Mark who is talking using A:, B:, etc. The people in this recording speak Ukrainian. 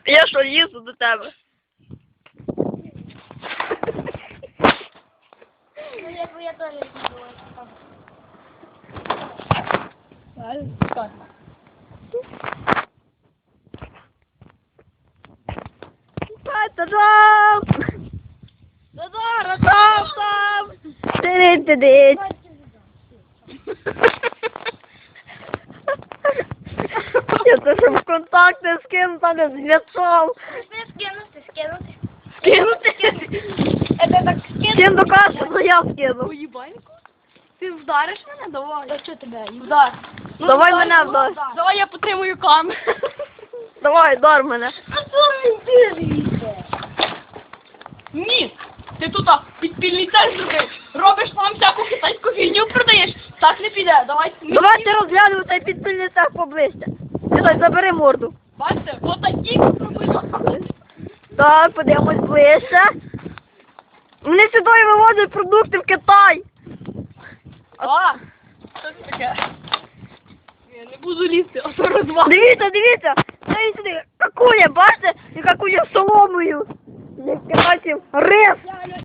A: Я що, лізу до тебе?
B: Ну, я теж не думаю.
A: Та-дам! Та-дам! Ти-ди-ди-ди! Я це щоб контакти скинути, а не зв'язав.
B: Скинути. Это так
A: Чим докажеш, що я скину?
C: Уїбаньку? Ти вдариш мене? Давай.
B: Да что тебя?
C: Вдар.
A: Давай мене вдар.
C: Давай я потримую камеру.
A: Давай, дар мене.
C: Ні. Ти тут підпільний центр зробив. Робиш нам всяку китайську фігню продаєш. Так не піде. Давай.
A: Давайте розглянемо цей підпільний цех поближче. Сідай, забери морду.
C: Бачите, отакі зробили.
A: Так, подивимось ближче. Вони сюди вивозять продукти в Китай.
C: А, що це таке? Я не буду лізти, а то розвал.
A: Дивіться. Дай сюди. Какуля, бачите? І какуля соломою. Як китайців рис